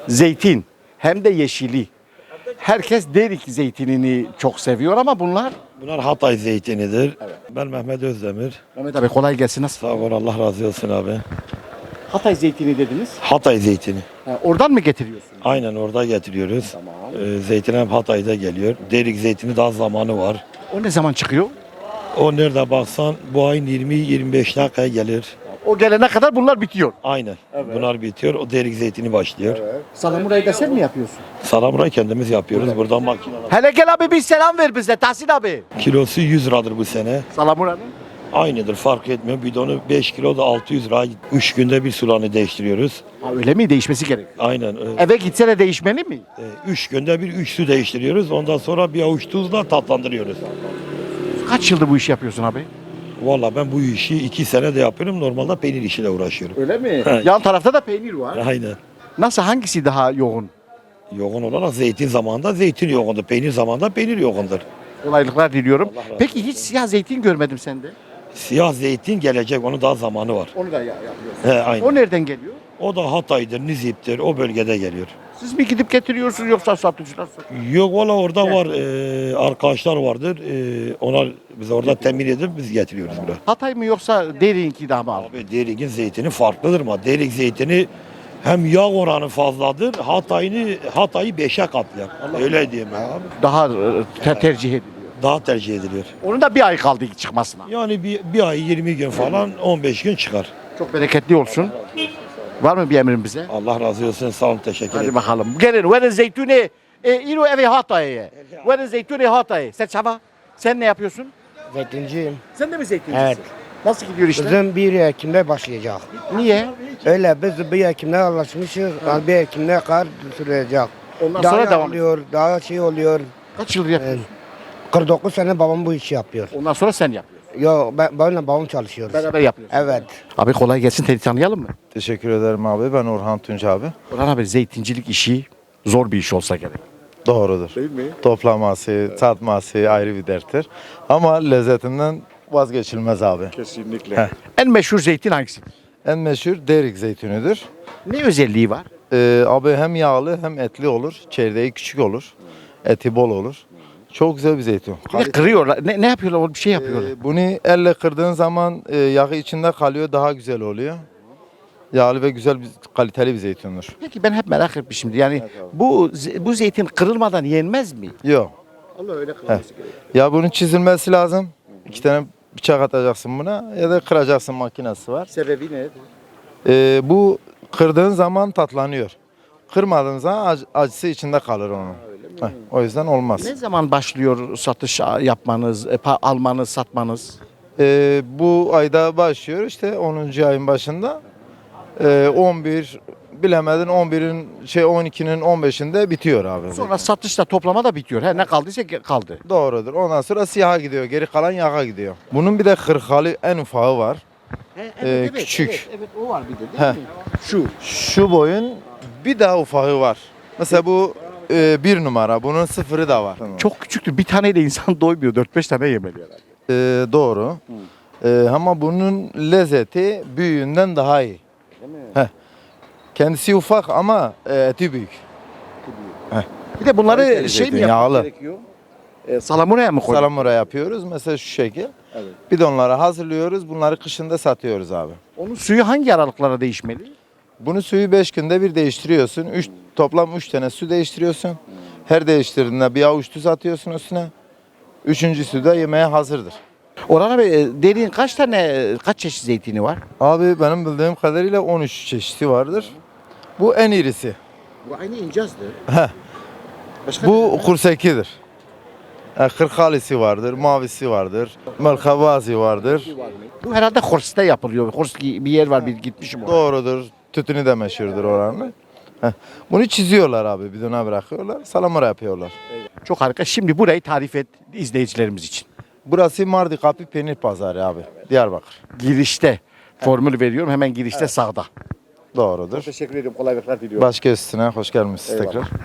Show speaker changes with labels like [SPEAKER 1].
[SPEAKER 1] Zeytin hem de yeşili. Herkes Derik zeytinini çok seviyor ama bunlar...
[SPEAKER 2] Bunlar Hatay zeytinidir. Ben Mehmet Özdemir.
[SPEAKER 1] Mehmet abi kolay gelsin. Nasıl?
[SPEAKER 2] Sağ ol, Allah razı olsun abi.
[SPEAKER 1] Hatay zeytini dediniz.
[SPEAKER 2] Hatay zeytini.
[SPEAKER 1] Oradan mı getiriyorsunuz?
[SPEAKER 2] Aynen orada getiriyoruz.
[SPEAKER 1] Tamam.
[SPEAKER 2] Zeytin hem Hatay'da geliyor. Derik zeytini daha zamanı var.
[SPEAKER 1] O ne zaman çıkıyor?
[SPEAKER 2] O nerede baksan bu ayın 20-25 dakikaya gelir.
[SPEAKER 1] O gelene kadar bunlar bitiyor.
[SPEAKER 2] Aynen. Bunlar bitiyor. O derik zeytini başlıyor.
[SPEAKER 1] Salamurayı da sen mi yapıyorsun?
[SPEAKER 2] Salamurayı kendimiz yapıyoruz. Buradan makineler.
[SPEAKER 1] Hele gel abi bir selam ver bize Tahsin abi.
[SPEAKER 2] Kilosu 100 liradır bu sene.
[SPEAKER 1] Salamura'nın.
[SPEAKER 2] Aynıdır, fark etmiyor. Bidonu 5 kilo da 600 lira. 3 günde bir sularını değiştiriyoruz.
[SPEAKER 1] Ha, öyle mi? Değişmesi gerek.
[SPEAKER 2] Aynen.
[SPEAKER 1] Eve gitse de değişmeli mi?
[SPEAKER 2] 3 günde bir 3 su değiştiriyoruz. Ondan sonra bir avuç tuzla tatlandırıyoruz.
[SPEAKER 1] Kaç yıldır bu işi yapıyorsun abi?
[SPEAKER 2] Valla ben bu işi 2 sene de yapıyorum. Normalde peynir işiyle uğraşıyorum.
[SPEAKER 1] Öyle mi?
[SPEAKER 2] He.
[SPEAKER 1] Yan tarafta da peynir var.
[SPEAKER 2] Aynen.
[SPEAKER 1] Nasıl hangisi daha yoğun?
[SPEAKER 2] Yoğun olarak zeytin zamanında zeytin yoğundur. Peynir zamanında peynir yoğundur.
[SPEAKER 1] Kolaylıklar diliyorum.
[SPEAKER 2] Allah razı olsun.
[SPEAKER 1] Peki hiç siyah zeytin görmedim sende.
[SPEAKER 2] Siyah zeytin gelecek. Onun daha zamanı var.
[SPEAKER 1] Onu da yapıyorsun.
[SPEAKER 2] He, aynen.
[SPEAKER 1] O nereden geliyor?
[SPEAKER 2] O da Hatay'dır, Nizip'tir. O bölgede geliyor.
[SPEAKER 1] Siz mi gidip getiriyorsunuz yoksa satıcılar satıyor?
[SPEAKER 2] Yok valla orada var. Arkadaşlar vardır. Onlar bize orada temin edip biz getiriyoruz buraya.
[SPEAKER 1] Hatay mı yoksa Derik'inki daha mı?
[SPEAKER 2] Abi Derik'in zeytini farklıdır ama Derik zeytini hem yağ oranı fazladır. Hatay'ı 5'e katlar. Öyle diyeyim abi.
[SPEAKER 1] Daha tercih ediliyor.
[SPEAKER 2] Daha tercih ediliyor.
[SPEAKER 1] Onun da bir ay kaldı çıkmasına.
[SPEAKER 2] Yani bir ay 20 gün falan 15 gün çıkar.
[SPEAKER 1] Çok bereketli olsun. Var mı bir emrin bize?
[SPEAKER 2] Allah razı olsun. Sağ olun. Teşekkür
[SPEAKER 1] Hadi
[SPEAKER 2] ederim.
[SPEAKER 1] bakalım. Gelin. Verin zeytuni. İro evi Hatay'a. Verin zeytuni Hatay'a. Sen Şaba. Sen ne yapıyorsun?
[SPEAKER 3] Zeytinciyim.
[SPEAKER 1] Sen de mi zeytincisin?
[SPEAKER 3] Evet.
[SPEAKER 1] Nasıl gidiyor işler?
[SPEAKER 3] Bizim 1 Ekim'de başlayacak.
[SPEAKER 1] Niye?
[SPEAKER 3] Öyle biz 1 Ekim'de anlaşmışız. Yani 1 Ekim'de kar sürecek.
[SPEAKER 1] Ondan
[SPEAKER 3] Daha
[SPEAKER 1] sonra devam
[SPEAKER 3] oluyor, daha şey oluyor.
[SPEAKER 1] Kaç yıldır yapıyorsun?
[SPEAKER 3] 49 sene babam bu işi yapıyor.
[SPEAKER 1] Ondan sonra sen yapıyorsun.
[SPEAKER 3] Yo benimle babam çalışıyoruz.
[SPEAKER 1] Beraber yapıyorsun.
[SPEAKER 3] Evet.
[SPEAKER 1] Abi kolay gelsin. Seni tanıyalım mı?
[SPEAKER 4] Teşekkür ederim abi. Ben Orhan Tunç abi.
[SPEAKER 1] Orhan abi zeytincilik işi zor bir iş olsa gerek.
[SPEAKER 4] Doğrudur.
[SPEAKER 1] Değil mi?
[SPEAKER 4] Toplaması, satması ayrı bir derttir. Ama lezzetinden vazgeçilmez abi.
[SPEAKER 1] Kesinlikle.
[SPEAKER 4] Heh.
[SPEAKER 1] En meşhur zeytin hangisi?
[SPEAKER 4] En meşhur Derik zeytinidir.
[SPEAKER 1] Ne özelliği var?
[SPEAKER 4] Abi hem yağlı hem etli olur. Çekirdeği küçük olur. Eti bol olur. Çok güzel bir zeytin.
[SPEAKER 1] Bir de kırıyorlar. Ne yapıyorlar? Bir şey yapıyorlar.
[SPEAKER 4] Bunu elle kırdığın zaman yağı içinde kalıyor, daha güzel oluyor. Yağlı ve güzel bir kaliteli bir zeytindir.
[SPEAKER 1] Peki ben hep merak etmişim. Yani bu zeytin kırılmadan yenmez mi?
[SPEAKER 4] Yok.
[SPEAKER 1] Allah öyle kırılması gerekiyor.
[SPEAKER 4] Ya bunun çizilmesi lazım. 2 tane bıçak atacaksın buna ya da kıracaksın, makinesi var.
[SPEAKER 1] Sebebi ne?
[SPEAKER 4] Bu kırdığın zaman tatlanıyor. Kırmadığın zaman acısı içinde kalır onun. Heh, o yüzden olmaz.
[SPEAKER 1] Ne zaman başlıyor satış yapmanız, almanız, satmanız?
[SPEAKER 4] Bu ayda başlıyor işte 10. ayın başında. 11 bilemedin 11'in 12'nin 15'inde bitiyor abi.
[SPEAKER 1] Sonra satışla toplama da bitiyor. Ne kaldıysa kaldı.
[SPEAKER 4] Doğrudur. Ondan sonra siyaha gidiyor. Geri kalan yağa gidiyor. Bunun bir de kırkalı en ufağı var. Küçük.
[SPEAKER 1] Evet, o var bir de
[SPEAKER 4] Heh. Şu boyun bir daha ufağı var. Mesela bu 1 numara. Bunun 0'ı da var.
[SPEAKER 1] Çok küçüktür. Bir taneyle insan doymuyor. 4-5 tane yemeli herhalde.
[SPEAKER 4] Doğru. Ama bunun lezzeti büyüğünden daha iyi. Heh. Kendisi ufak ama eti büyük.
[SPEAKER 1] Bir de bunları
[SPEAKER 4] Kaliteli
[SPEAKER 1] şey mi
[SPEAKER 4] zeytin,
[SPEAKER 1] yapmak
[SPEAKER 4] yağlı.
[SPEAKER 1] gerekiyor? Salamuraya mı koyuyorsun?
[SPEAKER 4] Salamura yapıyoruz. Mesela şu şekil.
[SPEAKER 1] Evet.
[SPEAKER 4] Bidonlara hazırlıyoruz. Bunları kışında satıyoruz abi.
[SPEAKER 1] Onun suyu hangi aralıklara değişmeli?
[SPEAKER 4] Bunu suyu 5 günde bir değiştiriyorsun. Toplam 3 tane su değiştiriyorsun. Her değiştirdiğinde bir avuç tuz atıyorsun üstüne. 3. da yemeğe hazırdır.
[SPEAKER 1] Orhan abi derin kaç çeşit zeytini var?
[SPEAKER 4] Abi benim bildiğim kadarıyla 13 çeşidi vardır. Bu en irisi.
[SPEAKER 1] Bu aynı incazdı.
[SPEAKER 4] Heh. Bu kursekidir. Kırkalisi vardır, mavisi vardır, melkavazi vardır.
[SPEAKER 1] Bu herhalde Hors'ta yapılıyor. Hors bir yer var bir gitmişim oraya.
[SPEAKER 4] Doğrudur. Tütünü de meşhurdur oranın. Bunu çiziyorlar abi, bidona bırakıyorlar, salamura yapıyorlar.
[SPEAKER 1] Çok harika. Şimdi burayı tarif et izleyicilerimiz için.
[SPEAKER 4] Burası Mardi Kapı Peynir Pazarı abi, Diyarbakır.
[SPEAKER 1] Girişte formül veriyorum. Hemen girişte sağda.
[SPEAKER 4] Doğrudur.
[SPEAKER 1] Teşekkür ederim. Kolaylıklar diliyorum.
[SPEAKER 4] Başka üstüne hoş gelmişsiniz tekrar.